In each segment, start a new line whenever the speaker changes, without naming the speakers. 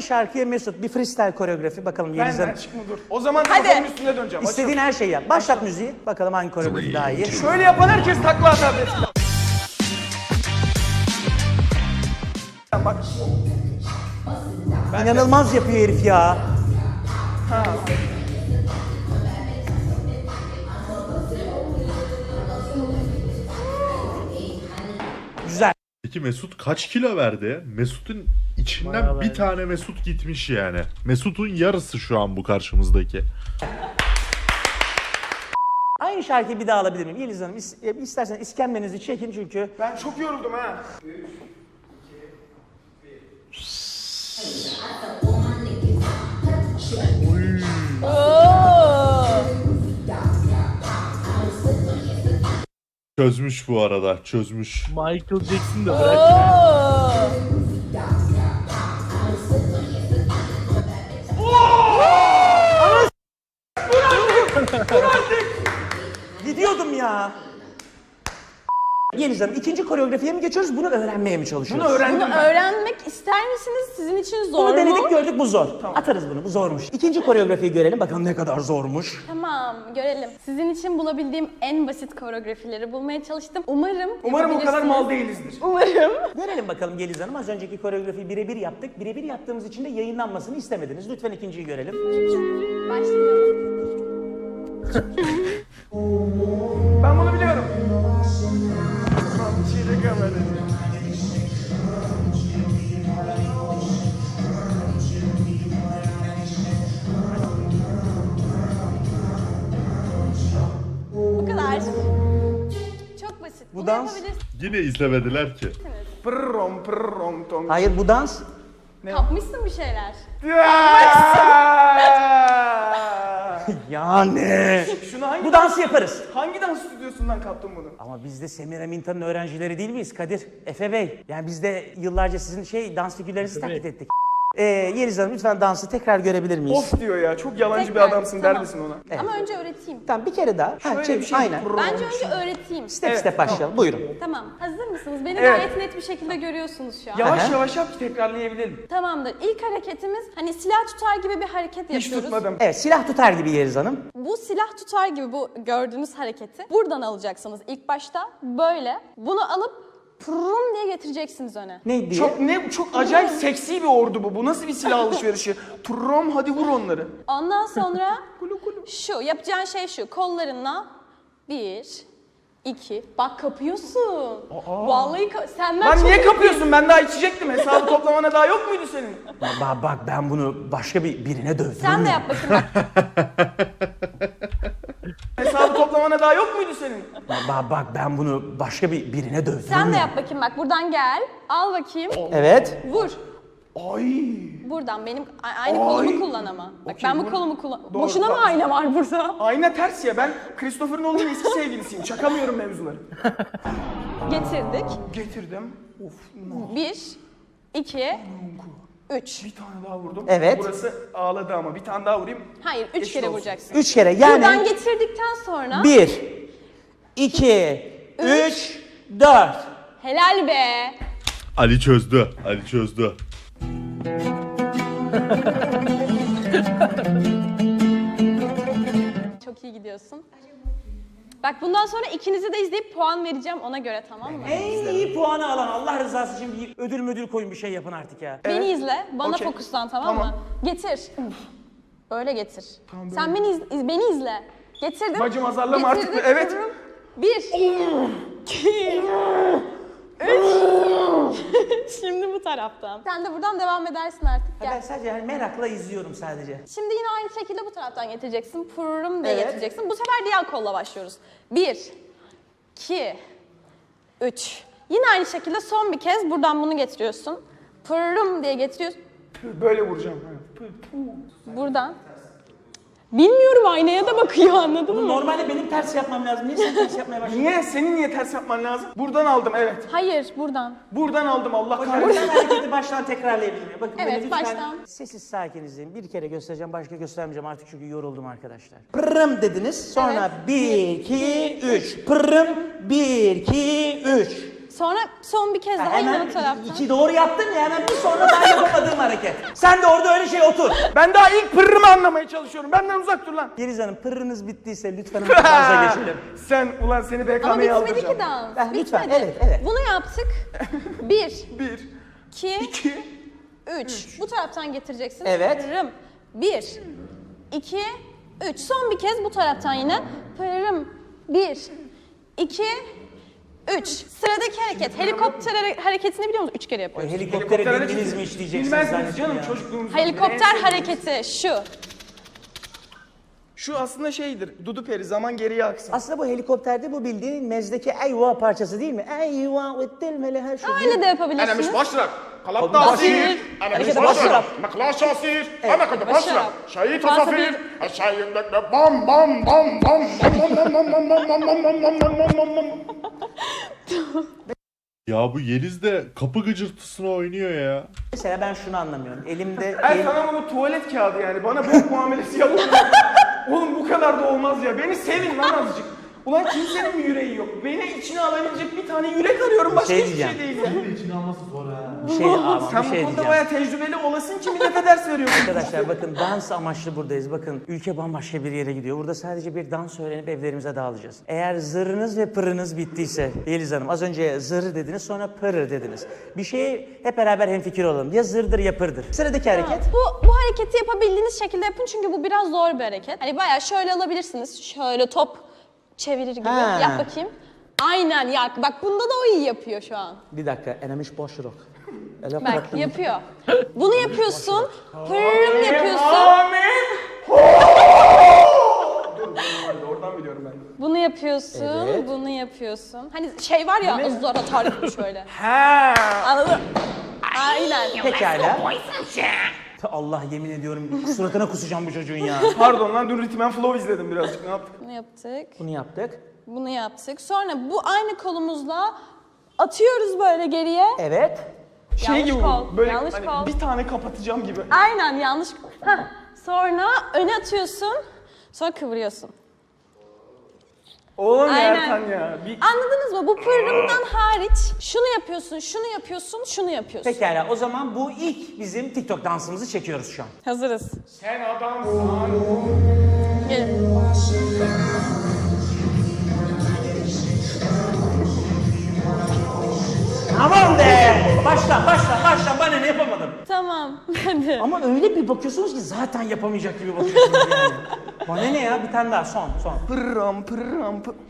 Aynı şarkıya Mesut bir freestyle koreografi bakalım Yeliz Hanım.
Benden çıkma dur. O zaman
Hadi.
kafanın üstüne döneceğim.
İstediğin her şeyi yap. Başlat müziği. Bakalım hangi koreografi daha iyi.
Şöyle yapan herkes takla atar. Bak.
İnanılmaz yapıyor herif ya. Güzel.
Peki Mesut kaç kilo verdi? Mesut'un içinden bir tane Mesut gitmiş yani. Mesut'un yarısı şu an bu karşımızdaki.
Aynı şarkıyı bir daha alabilir miyim? Yeliz Hanım istersen iskembenizi çekin çünkü.
Ben çok yoruldum ha.
Çözmüş bu arada, çözmüş.
Michael Jackson da bırak.
Gidiyordum ya. Yeliz Hanım ikinci koreografiye mi geçiyoruz? Bunu öğrenmeye mi çalışıyoruz?
Bunu öğrendim
Bunu
ben.
öğrenmek ister misiniz? Sizin için zor
Bunu
mu?
denedik gördük bu zor. Atarız bunu bu zormuş. İkinci koreografiyi görelim bakalım ne kadar zormuş.
Tamam, görelim. Sizin için bulabildiğim en basit koreografileri bulmaya çalıştım. Umarım
Umarım o kadar
yapabilirsiniz.
mal değilizdir.
Umarım.
Görelim bakalım Yeliz Hanım. Az önceki koreografiyi birebir yaptık. Birebir yaptığımız için de yayınlanmasını istemediniz. Lütfen ikinciyi görelim.
Başlayalım.
Ben bunu biliyorum. Tamam, bir şey de görmedim.
Bu kadar. Çok basit.
Bu
Bunu
dans-
yapabilirsiniz.
Yine izlemediler ki.
Pırrom pırrom tom.
Hayır bu dans.
Kapmışsın bir şeyler.
Yani.
Şunu hangi
Bu dansı yaparız.
Hangi dans stüdyosundan kaptın bunu?
Ama biz de Semiraminta'nın öğrencileri değil miyiz Kadir? Efe Bey. Yani biz de yıllarca sizin dans figürlerinizi taklit ettik. Yeliz Hanım lütfen dansı tekrar görebilir miyiz?
Of diyor ya. Çok yalancı
Tekrar,
bir adamsın
tamam.
der misin ona?
Evet.
Ama önce öğreteyim.
Tamam bir kere daha.
Şöyle
çek,
bir şey.
aynen.
Bence önce öğreteyim.
Step
Evet,
step başlayalım. Buyurun.
Tamam. Hazır mısınız? Beni
Evet.
gayet net bir şekilde görüyorsunuz şu an.
Yavaş
Aha.
yavaş yap ki tekrarlayabilelim.
Tamamdır. İlk hareketimiz hani silah tutar gibi bir hareket
Hiç
yapıyoruz.
tutmadım.
Evet silah tutar gibi Yeliz Hanım.
Bu silah tutar gibi bu gördüğünüz hareketi buradan alacaksınız ilk başta böyle. Bunu alıp pırrım diye getireceksiniz öne.
Ne diye?
Çok acayip seksi bir ordu bu. Bu nasıl bir silah alışverişi? Turrom hadi vur onları.
Ondan sonra şu yapacağın şey şu kollarınla 1, 2 bak kapıyorsun. Vallahi senden
Lan
çok
niye
iyi-
kapıyorsun? Ben daha içecektim. Hesabı toplamana daha yok muydu senin?
Bak ben bunu başka birine dövdüm.
Sen de yap bakayım.
Hesabı toplamana daha yok muydu senin?
Bak ben bunu başka birine dövdüm.
Sen de yap bakayım bak buradan gel. Al bakayım.
Evet.
Vur.
Ay.
Buradan benim aynı kolumu kullan ama. Bak
Okey,
ben bu
vur.
kolumu kullan.
Doğru,
Boşuna mı
tamam.
ayna var burada?
Ayna ters ya. Ben Christopher Nolan'ın eski sevgilisiyim. Çakamıyorum mevzuları.
Getirdik.
Getirdim. Of.
1, 2, 3.
Bir tane daha vurdum.
Evet.
Burası ağladı ama. Bir tane daha vurayım.
Hayır 3
Eşit
kere
olsun.
vuracaksın.
3 kere
Buradan
yani
getirdikten sonra
1, 2, 3, 4.
helal be.
Ali çözdü, Ali çözdü.
Çok iyi gidiyorsun. Bak bundan sonra ikinizi de izleyip puan vereceğim ona göre tamam mı?
En iyi puanı alan Allah rızası için bir ödül koyun bir şey yapın artık ya.
Beni izle, bana
Okey.
fokuslan tamam mı? Getir. Öyle getir.
Tamam,
Sen beni izle. Getirdim.
Bacım azarlama artık.
Getirdim,
Evet.
kıvırım. 1, 2, 3. Şimdi bu taraftan. Sen de buradan devam edersin artık.
Ben
Gel.
sadece yani merakla izliyorum sadece.
Şimdi yine aynı şekilde bu taraftan getireceksin. Pırrım diye
Evet.
getireceksin. Bu sefer diğer kolla başlıyoruz. 1, 2, 3. Yine aynı şekilde son bir kez buradan bunu getiriyorsun. Pırrım diye getiriyorsun.
Böyle vuracağım.
Buradan. Bilmiyorum aynaya da bakıyor anladın mı?
Normalde benim ters yapmam lazım. Niye sen ters yapmaya başladın?
Niye? Senin niye ters yapman lazım? Buradan aldım evet.
Hayır buradan.
Buradan aldım Allah
Hocam
kahretsin.
ben hareketi baştan tekrarlayabilir miyim? Bakın
Evet,
beni lütfen
baştan.
sessiz sakin izleyin. Bir kere göstereceğim, başka göstermeyeceğim artık çünkü yoruldum arkadaşlar. Pırrım dediniz, sonra
Evet.
1, 2, 3. Pırrım, 1, 2, 3.
Sonra son bir kez daha yine
Hemen
o taraftan.
iki doğru yaptın ya, hemen bir sonra daha yapamadığım hareket. Sen de orada öyle şey otur.
Ben daha ilk pırrımı anlamaya çalışıyorum. Benden uzak dur lan.
Yeliz Hanım, pırrınız bittiyse lütfen dansa geçelim.
Sen ulan seni
Ama
BKM'ye
bitmedi
aldıracağım.
ki dans.
Ha, lütfen,
Bitmedi.
evet.
Bunu yaptık. 1,
1,
2,
2,
3. Bu taraftan getireceksin.
Evet.
Pırrım. 1, 2, 3. Son bir kez bu taraftan yine. Pırrım. 1, 2, 3. Sıradaki hareket. Helikopter hareketini biliyor musun? 3 kere yapıyoruz.
Helikoptere bindiniz mi işleyeceksiniz
Bilmezsiniz
zannettim
canım
ya.
çocukluğumuzda.
Helikopter hareketi şu.
Şu aslında şeydir. Dudu peri zaman geriye aksın.
Aslında bu helikopterde bu bildiğin mezdeki eyvah parçası değil mi? Eyvah ettirmeli her şey.
Öyle de yapabilirsiniz.
أنا مش بشرب قلبت
بشرب.
عصير أنا
أنا
مش
كده
بشرب
بشرب.
مقلاش عصير
إيه.
أنا كنت
بشرب.
بشرب شايط
عصير.
عصافير الشاي بام بام بام بام بام بام بام بام بام بام بام بام بام بام.
Ya bu Yeliz de kapı gıcırtısına oynuyor ya.
Mesela ben şunu anlamıyorum. Elimde
Sana bunu tuvalet kağıdı yani. Bana bok muamelesi yapıyor. Oğlum bu kadar da olmaz ya. Beni sevin lan azıcık. Ulan kimsenin mi yüreği yok? Beni içine alabilecek bir tane yürek arıyorum. Başka
Şey
hiçbir şey
diyeceğim.
değil ya.
bir şey ama
Sen
bir
bu
şey
konuda
diyeceğim.
bayağı tecrübeli olasın ki millete ders veriyorsun.
Arkadaşlar bakın, dans amaçlı buradayız. Bakın ülke bambaşka bir yere gidiyor. Burada sadece bir dans öğrenip evlerimize dağılacağız. Eğer zırınız ve pırınız bittiyse Yeliz Hanım, az önce zır dediniz sonra pırır dediniz. Bir şeye hep beraber hemfikir olalım. Ya zırdır ya pırdır. Sıradaki hareket.
Bu hareketi yapabildiğiniz şekilde yapın çünkü bu biraz zor bir hareket. Hani bayağı şöyle alabilirsiniz. Şöyle top çevirir gibi.
Ha.
Yap bakayım. Aynen ya. Bak bunda da o iyi yapıyor şu an.
Bir dakika, enemiş boş rock.
Bak yapıyor. Bunu yapıyorsun. Pırrım yapıyorsun.
Oradan biliyorum ben.
Bunu yapıyorsun.
Evet.
Bunu yapıyorsun. Hani şey var ya zor atar gibi şöyle.
Ha.
Anladın? Aynen.
Pekala. Allah, yemin ediyorum suratına kusacağım bu çocuğun ya.
Pardon lan dün Rhythm and Flow izledim birazcık. Ne yaptık?
Bunu yaptık.
Bunu yaptık.
Bunu yaptık. Sonra bu aynı kolumuzla atıyoruz böyle geriye.
Evet.
Şey
Yanlış
gibi
kol,
böyle
yanlış
hani
kol.
bir tane kapatacağım gibi.
Aynen yanlış. Heh. Sonra öne atıyorsun. Sonra kıvırıyorsun.
Oğlum
Aynen.
Ertan ya. Bir...
Anladınız mı? Bu pırrımdan hariç şunu yapıyorsun, şunu yapıyorsun, şunu yapıyorsun.
Pekala, o zaman bu ilk bizim TikTok dansımızı çekiyoruz şu an.
Hazırız.
Sen adamsın.
Gelin.
Aman be! Başla, bana ne yapamadım.
Tamam. Hadi.
Ama öyle bir bakıyorsunuz ki zaten yapamayacak gibi bakıyorsunuz yani. Bana ne ya, bir tane daha, son.
Pırram pırram pır.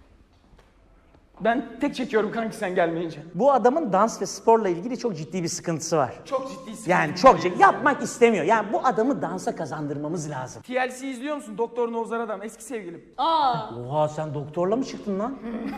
Ben tek çekiyorum kanki sen gelmeyince.
Bu adamın dans ve sporla ilgili çok ciddi bir sıkıntısı var.
Çok ciddi sıkıntı.
Yani çok ciddi, yapmak istemiyor. Yani bu adamı dansa kazandırmamız lazım.
TLC izliyor musun? Doktor Nozar Adam. Eski sevgilim.
Aa.
Oha, sen doktorla mı çıktın lan?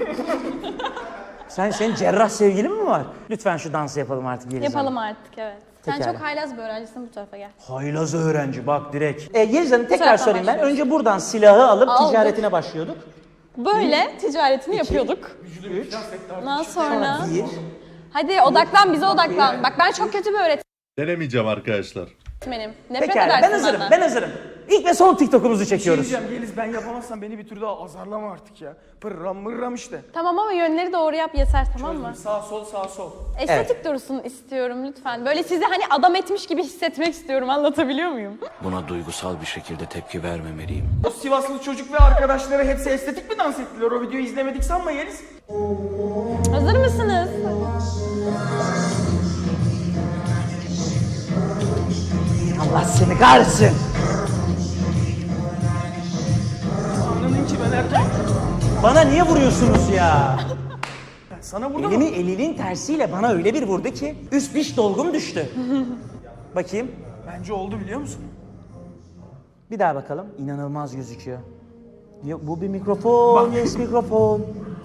Senin cerrah sevgilin mi var? Lütfen şu dansı yapalım artık Yeliz Hanım.
Yapalım artık evet. Sen
Pekala.
çok haylaz bir öğrencisin, bu tarafa gel.
Haylaz öğrenci bak direkt. Yeliz Hanım tekrar
Zaten
sorayım ben.
başlıyoruz.
Önce buradan silahı alıp
Aldık.
ticaretine başlıyorduk.
Böyle ticaretini yapıyorduk. Ondan sonra...
Bir.
Hadi odaklan, bize odaklan. Bak ben çok kötü bir
Denemeyeceğim arkadaşlar.
öğretmenim. Nefret
Pekala,
edersin
ben hazırım,
benden.
ben hazırım. İlk ve son TikTok'umuzu
Şey
çekiyoruz.
diyeceğim Yeliz, ben yapamazsam beni bir tür daha azarlama artık ya. Pırram mırram işte.
Tamam ama yönleri doğru yap yeter, tamam mı?
Sağ sol sağ sol.
Estetik dursun istiyorum lütfen. Böyle sizi hani adam etmiş gibi hissetmek istiyorum. Anlatabiliyor muyum?
Buna duygusal bir şekilde tepki vermemeliyim.
O Sivaslı çocuk ve arkadaşları hepsi estetik mi dans ettiler? O videoyu izlemedik sanma Yeliz.
Hazır mısınız?
Allah seni kahretsin.
Anladın ki ben erken.
Bana niye vuruyorsunuz ya?
Sana vurdu mu?
Elinin tersiyle bana öyle bir vurdu ki üst diş dolgum düştü. Bakayım.
Bence oldu biliyor musun?
Bir daha bakalım. İnanılmaz gözüküyor. Yok, bu bir mikrofon. Yes, mikrofon.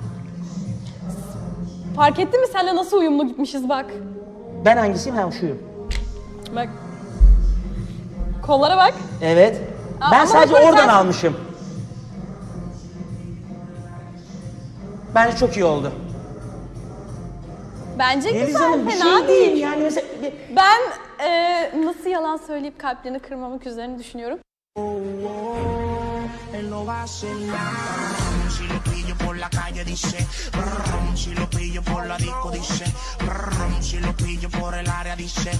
Fark ettin mi senle nasıl uyumlu gitmişiz bak.
Ben hangisiyim? Ha, şuyum.
Bak. Kollara bak.
Evet.
Aa,
Ben
ama
sadece
bak,
oradan
sen-
almışım. Bence çok iyi oldu.
Bence
Yeliz
güzel,
Hanım bir
fena
şey
değil.
değil yani mesela...
Ben nasıl yalan söyleyip kalplerini kırmamak üzerine düşünüyorum.
lo vacila. Si lo pillo por la calle dice, si lo pillo por la disco dice, si lo pillo por el área dice,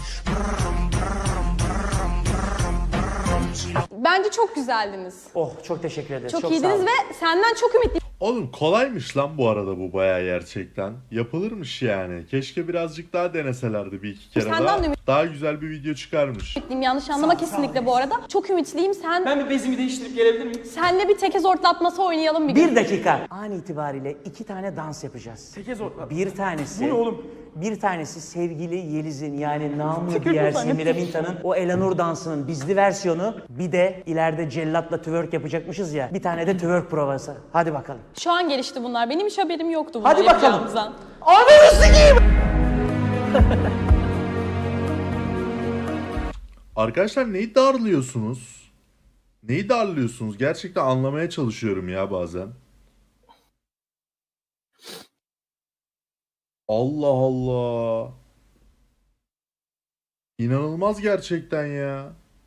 si lo...
Bence çok güzeldiniz.
Oh çok teşekkür ederiz.
Çok
sağ
iyiydiniz
olun.
ve senden çok ümitliyim.
Oğlum kolaymış lan bu arada bu bayağı gerçekten. Yapılırmış yani. Keşke birazcık daha deneselerdi bir iki kere
Senden
daha.
de
Daha güzel bir video çıkarmış.
Yanlış anlama kesinlikle bu arada. Çok ümitliyim.
Ben bir bezimi değiştirip gelebilir miyim?
Senle bir teke zortlatması oynayalım bir gün.
Bir dakika. An itibariyle 2 tane dans yapacağız.
Teke zorla.
Bir tanesi...
Bu ne oğlum?
Bir tanesi sevgili Yeliz'in yani namı
Teke
diğer
zorla.
Semira Minta'nın o Elanur dansının bizli versiyonu. Bir de ileride cellatla twerk yapacakmışız ya. Bir tane de twerk provası. Hadi bakalım.
Şu an gelişti bunlar. Benim hiç haberim yoktu bunlar
Hadi bakalım.
yapacağımızdan.
Ananı sikeyim!
Arkadaşlar neyi darlıyorsunuz? Neyi darlıyorsunuz? Gerçekten anlamaya çalışıyorum ya bazen. Allah Allah. İnanılmaz gerçekten ya.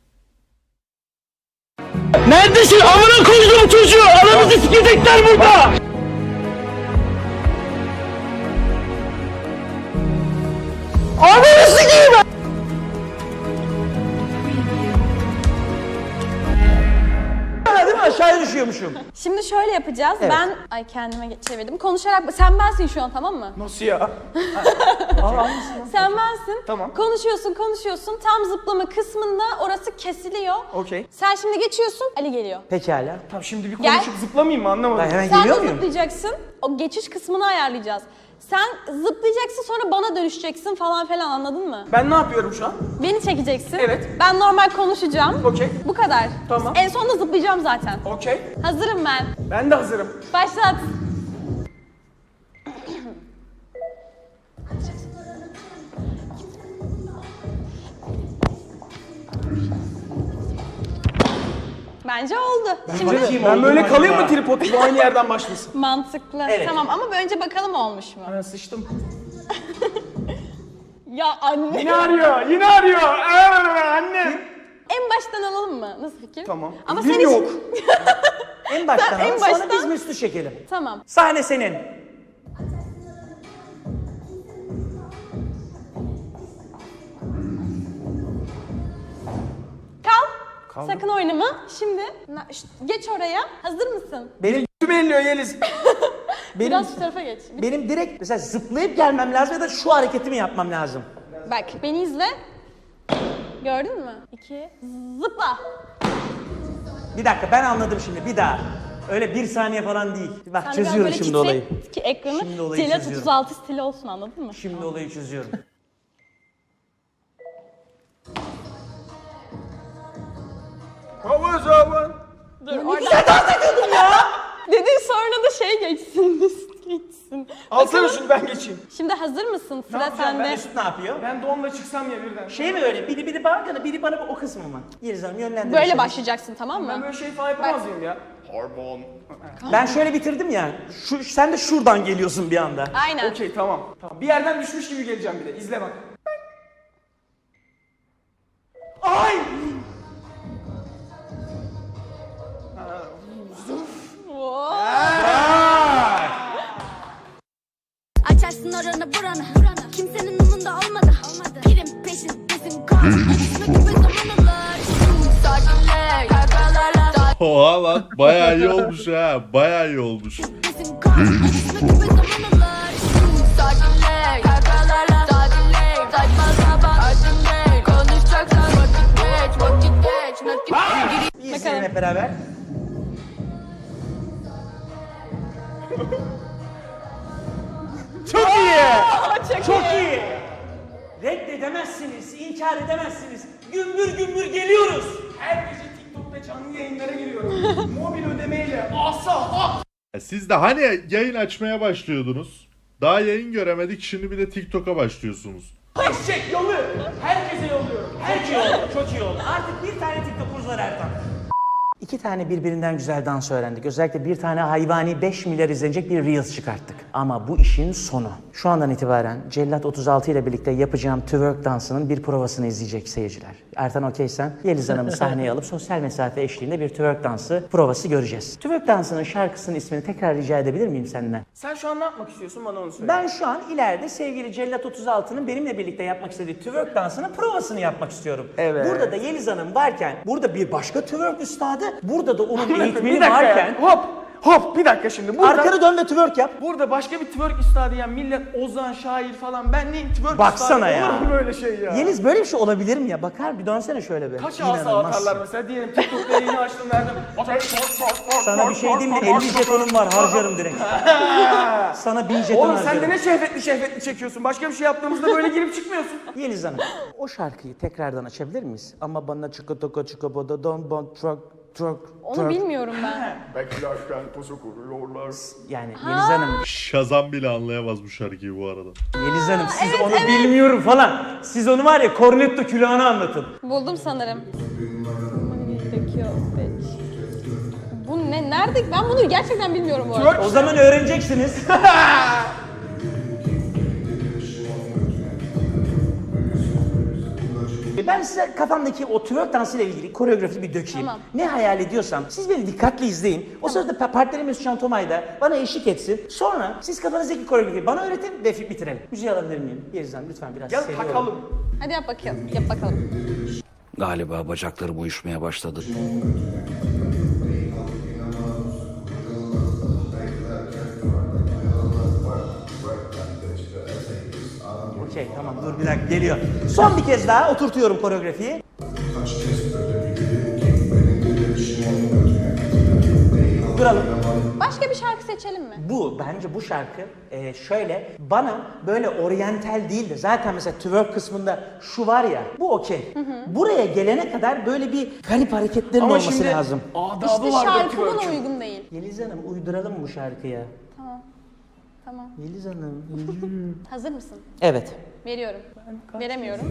Neredesin? Amına koydum çocuğu. Ananızı sikecekler burada. Ananı sikeyim.
Değil mi? Aşağıya düşüyormuşum.
Şimdi şöyle yapacağız.
Evet.
Ben kendime çevirdim. Konuşarak sen bensin şu an, tamam mı?
Nasıl ya?
Sen bensin.
Tamam.
Konuşuyorsun. Tam zıplama kısmında orası kesiliyor.
Okey.
Sen şimdi geçiyorsun. Ali geliyor.
Pekala.
Tamam şimdi bir
Gel.
konuşup zıplamayayım mı anlamadım.
Ben hemen
Sen de
geliyor muyum?
zıplayacaksın. O geçiş kısmını ayarlayacağız. Sen zıplayacaksın, sonra bana dönüşeceksin falan filan, anladın mı?
Ben ne yapıyorum şu an?
Beni çekeceksin.
Evet.
Ben normal konuşacağım.
Okey.
Bu kadar.
Tamam.
En sonunda zıplayacağım zaten.
Okey.
Hazırım ben.
Ben de hazırım.
Başlat. Bence oldu. Şimdi
Ben böyle kalayım mı tripod gibi aynı yerden başlasın?
mantıklı.
Evet.
Tamam ama önce bakalım olmuş mu?
Ben sıçtım.
Ya anne.
Yine arıyor. Annem.
En baştan alalım mı? Nasıl fikir?
Tamam.
Ama
Elim
sen
yok.
En baştan
en
al, sonra
baştan-
biz Müslü çekelim.
Tamam.
Sahne senin.
Kal. Sakın oynama. Şimdi geç oraya. Hazır mısın?
Benim
Tüm elliyor Yeliz.
Biraz şu tarafa geç.
benim direkt mesela zıplayıp gelmem lazım ya da şu hareketimi yapmam lazım.
Bak beni izle. Gördün mü? 2 zıpla.
Bir dakika ben anladım şimdi bir daha. Öyle bir saniye falan değil. Bak
Sen de
çözüyorum
böyle
şimdi
titret
olayı.
ki ekranı
Şimdi olayı
Celat
çözüyorum.
36 stili olsun, anladın mı?
Şimdi olayı çözüyorum.
Hava zaman.
Dur orada. Dedin sonra da şey geçsin, list geçsin.
Alsana
Bakalım.
şunu ben geçeyim.
Şimdi hazır mısın? Sıra
yapacağım ben?
sende.
Mesut ne yapıyor?
Ben donla çıksam ya birden.
Şey mi öyle? Biri bana, biri bana o kısmı mı? Yeliz Hanım yönlendirin.
Böyle
şimdi.
başlayacaksın, tamam
Ben
mı?
böyle şey falan yapamaz mıyım ya?
Hormon.
Ben şöyle bitirdim ya. Sen de şuradan geliyorsun bir anda.
Aynen.
Okey tamam. Bir yerden düşmüş gibi geleceğim bir de. İzle bak. Ay!
Açarsın oranı buranı. Kimsenin umunda olmadı. Pirim peşindesin kan. Düşme gibi zaman alır. Sakinle kalkalarla.
Oha lan bayağı iyi olmuş ha. Bayağı iyi olmuş.
Peşindesin kan. Düşme gibi zaman alır. Sakinle kalkalarla. Sakinle saçma sapan. Acınle konuşacaksan vakit geç. Vakit geç. Nakit geç.
Bir izleyelim hep beraber. Çok iyi. Çok iyi. Reddedemezsiniz, inkar edemezsiniz. Gümbür gümbür geliyoruz.
Her gece TikTok'ta canlı yayınlara giriyorum. Mobil ödemeyle. Asa at.
Siz de hani yayın açmaya başlıyordunuz. Daha yayın göremedik şimdi bir de TikTok'a başlıyorsunuz.
Eşek yolu. Herkese yolluyorum.
Çok iyi oldu, çok iyi oldu. Artık bir tane TikTok'umuz var Ertan. 2 tane birbirinden güzel dans öğrendik. Özellikle bir tane hayvani 5 milyar izlenecek bir Reels çıkarttık. Ama bu işin sonu. Şu andan itibaren Cellat 36 ile birlikte yapacağım twerk dansının bir provasını izleyecek seyirciler. Ertan okeysen Yeliz Hanım'ı sahneye alıp sosyal mesafe eşliğinde bir twerk dansı provası göreceğiz. Twerk dansının şarkısının ismini tekrar rica edebilir miyim senden?
Sen şu an ne yapmak istiyorsun bana onu söyle.
Ben şu an ileride sevgili Cellat 36'nın benimle birlikte yapmak istediği twerk dansının provasını yapmak istiyorum.
Evet.
Burada da Yeliz Hanım varken, burada bir başka twerk üstadı, burada da onun eğitmeni
bir dakika
varken...
ya. Hop bir dakika şimdi. Burada,
Arkanı dön ve twerk yap.
burada başka bir twerk üstadı ya. Millet ozan, şair falan. Ben neyim twerk
Baksana
üstadı?
ya.
Olur mu böyle şey ya?
Yeliz böyle bir şey olabilir mi ya? Bakar bir dönsene şöyle bir.
Kaç asa
İnanılmaz.
atarlar mesela diyelim TikTok'ta yayını açtım verdim.
Sana bir şey diyeyim mi? 50 jetonum var, harcarım direkt. Sana 1000 jeton
Oğlum
harcarım.
sen de ne şehvetli çekiyorsun. Başka bir şey yaptığımızda böyle girip çıkmıyorsun.
Yeliz Hanım, o şarkıyı tekrardan açabilir miyiz? Ama bana çikotoka çikobodo don bon truck.
Onu bilmiyorum ben.
Beklerken pusu kuruyorlar.
Yani Yeliz Hanım,
Şazam bile anlayamaz bu şarkıyı bu arada.
Yeliz Hanım siz onu bilmiyorum falan. Siz onu var ya cornetto külahını anlatın.
Buldum sanırım. Bu ne? Nerede? Ben bunu gerçekten bilmiyorum bu arada.
O zaman öğreneceksiniz. Ben size kafamdaki o twerk dansıyla ilgili koreografi bir dökeyim.
Tamam.
Ne hayal ediyorsam siz beni dikkatli izleyin. O sırada partnerim Mesut Can Tomay da bana eşlik etsin. Sonra siz kafanızdaki koreografiyi bana öğretin ve bitirelim. Müziği alabilir miyim? Yeliz Hanım lütfen biraz
Gel
seviyorum.
takalım.
Hadi yap bakalım. Yap bakalım.
Galiba bacaklarım uyuşmaya başladı.
Okey tamam dur bir dakika geliyor. Son bir kez daha oturtuyorum koreografiyi. Duralım.
Başka bir şarkı seçelim mi?
Bence bu şarkı şöyle bana böyle oryantal değil de zaten mesela twerk kısmında şu var ya bu okey. Buraya gelene kadar böyle bir garip hareketlerin
Ama
olması
şimdi
lazım.
adabı
İşte
vardır
şarkı buna
twerk'ün.
uygun değil.
Yeliz Hanım uyduralım bu şarkıya.
Tamam.
Yeliz Hanım.
Hazır mısın?
Evet.
Veriyorum. Veremiyorum.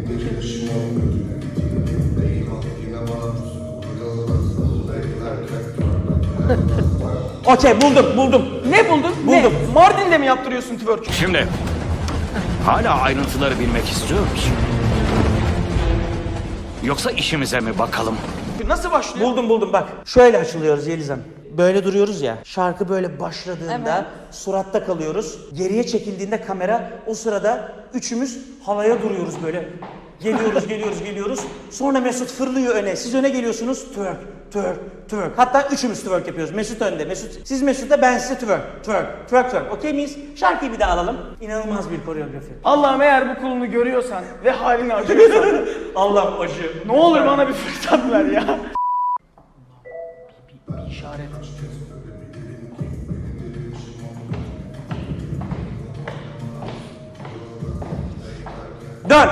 Okey buldum.
Ne buldun?
Buldum.
Ne? Mardin'de mi yaptırıyorsun twerk?
Şimdi hala ayrıntıları bilmek istiyor musun? Yoksa işimize mi bakalım?
Nasıl başlıyor?
Buldum bak. Şöyle açılıyoruz Yeliz Hanım. Böyle duruyoruz ya. Şarkı böyle başladığında
Evet.
suratta kalıyoruz. Geriye çekildiğinde kamera o sırada üçümüz havaya duruyoruz böyle. Geliyoruz. Sonra Mesut fırlıyor öne. Siz öne geliyorsunuz. Twerk. Hatta üçümüz twerk yapıyoruz. Mesut önde. Siz Mesut'ta ben size twerk. Okey miyiz? Şarkıyı bir de alalım. İnanılmaz bir koreografi.
Allah'ım eğer bu kulunu görüyorsan ve halini acıyorsan
Allah acı.
ne olur bana bir fırsat ver ya. Bir işaret.
Dön.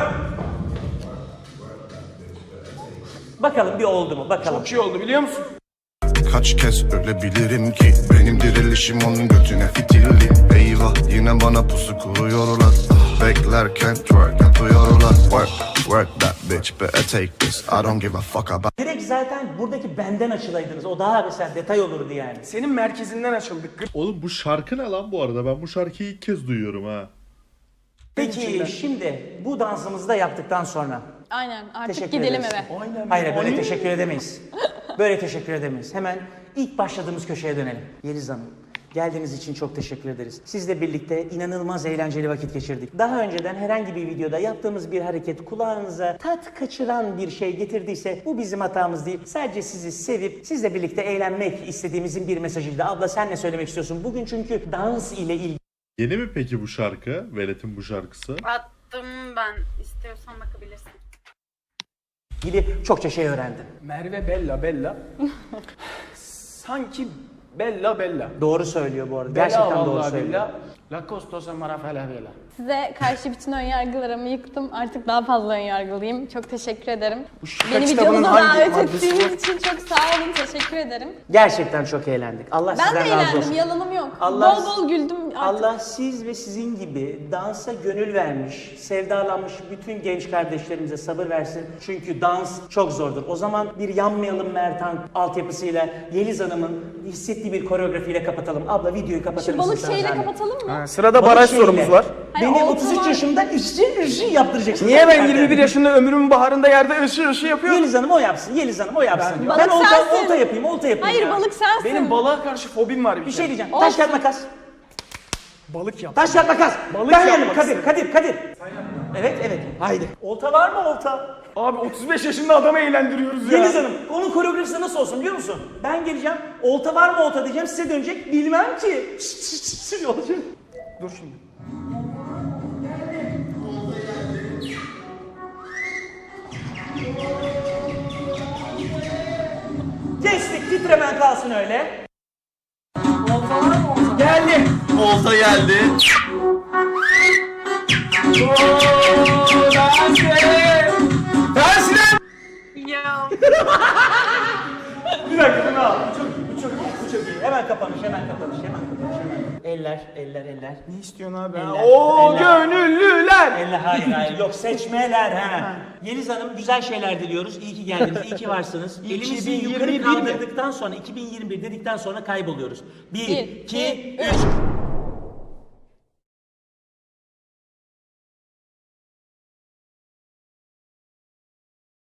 Bakalım bir oldu mu? Bakalım.
Çok iyi oldu biliyor musun?
Kaç kez ölebilirim ki benim dirilişim onun götüne fitilli. Eyvah yine bana pusu kuruyorlar. Beklerken twerk yapıyorlar. Work that bitch better take this. I don't give a fuck about.
Direkt zaten buradaki benden açılaydınız. O daha mesela detay olurdu yani.
Senin merkezinden açıldık.
Oğlum bu şarkı ne lan bu arada? Ben bu şarkıyı ilk kez duyuyorum ha.
Peki şimdi bu dansımızı da yaptıktan sonra
Aynen. Artık
teşekkür
gidelim
ederiz.
eve.
Hayır böyle teşekkür edemeyiz. Böyle teşekkür edemeyiz. Hemen ilk başladığımız köşeye dönelim. Yeliz Hanım, geldiğiniz için çok teşekkür ederiz. Sizle birlikte inanılmaz eğlenceli vakit geçirdik. Daha önceden herhangi bir videoda yaptığımız bir hareket kulağınıza tat kaçıran bir şey getirdiyse bu bizim hatamız değil. Sadece sizi sevip sizle birlikte eğlenmek istediğimizin bir mesajıydı. Abla sen ne söylemek istiyorsun? Bugün çünkü dans ile ilgili
Yeni mi peki bu şarkı? Velet'in bu şarkısı.
Attım ben. İstiyorsan bakabilirsin.
çokça şey öğrendim.
Merve Bella. Sanki Bella.
Doğru söylüyor bu arada.
Bella
Gerçekten doğru
vallahi
söylüyor.
Bella. La costosa marafalavela.
Size karşı bütün önyargılarımı yıktım. Artık daha fazla önyargılıyım. Çok teşekkür ederim.
şaka
Beni
kitabının
videonuza
hangi
davet
maddesi
ettiğiniz
bu?
için çok sağ olun. Teşekkür ederim.
Gerçekten çok eğlendik. Allah
Ben
sizden
de
razı
eğlendim.
olsun.
Yalanım yok.
Allah-
Bol bol güldüm artık.
Allah siz ve sizin gibi dansa gönül vermiş, sevdalanmış bütün genç kardeşlerimize sabır versin. Çünkü dans çok zordur. O zaman bir Yanmayalım Mertan altyapısıyla Yeliz Hanım'ın hissettiği bir koreografiyle kapatalım. Abla videoyu kapatır
Şu
mısın
balık
sana
şeyle
zahmet?
kapatalım mı?
Sırada
Balık
baraj
şeyle.
sorumuz var.
Hayır,
Beni
olta
33
var.
yaşımda ışın yaptıracaksın.
Niye ben
Zaten.
21 yaşında ömrümün baharında yerde ışı yapıyorum?
Yeliz Hanım o yapsın, Yeliz Hanım o yapsın.
Balık
Ben
sensin.
olta yapayım, olta yapayım.
Hayır
ya.
balık sensin.
Benim balığa karşı fobim var
Bir şey diyeceğim.
Olsun.
Taş kağıt makas.
Balık yap.
Taş kağıt makas.
Balık
Ben
yapmak
yerim. Kadir. Evet. Haydi. Olta var mı olta?
Abi 35 yaşında adamı eğlendiriyoruz ya.
Yeliz Hanım, onun koreografisi nasıl olsun biliyor musun? Ben geleceğim, olta var mı olta diyeceğim, size dönecek, bilmem ki. Olacak.
Dur şimdi.
Kestik, titremen kalsın öyle.
Geldi.
Olta geldi.
Ya.
Bir dakika bunu al. Bu çok iyi. Hemen kapanış. Eller.
Ne istiyorsun abi?
Eller,
Oo
eller.
gönüllüler.
Hayır. Yok seçmeler ha. Yeliz Hanım güzel şeyler diliyoruz. İyi ki geldiniz, iyi ki varsınız. Elimizi
2021
yukarı
mi?
kaldırdıktan sonra, 2021 dedikten sonra kayboluyoruz. 1, 2, 3.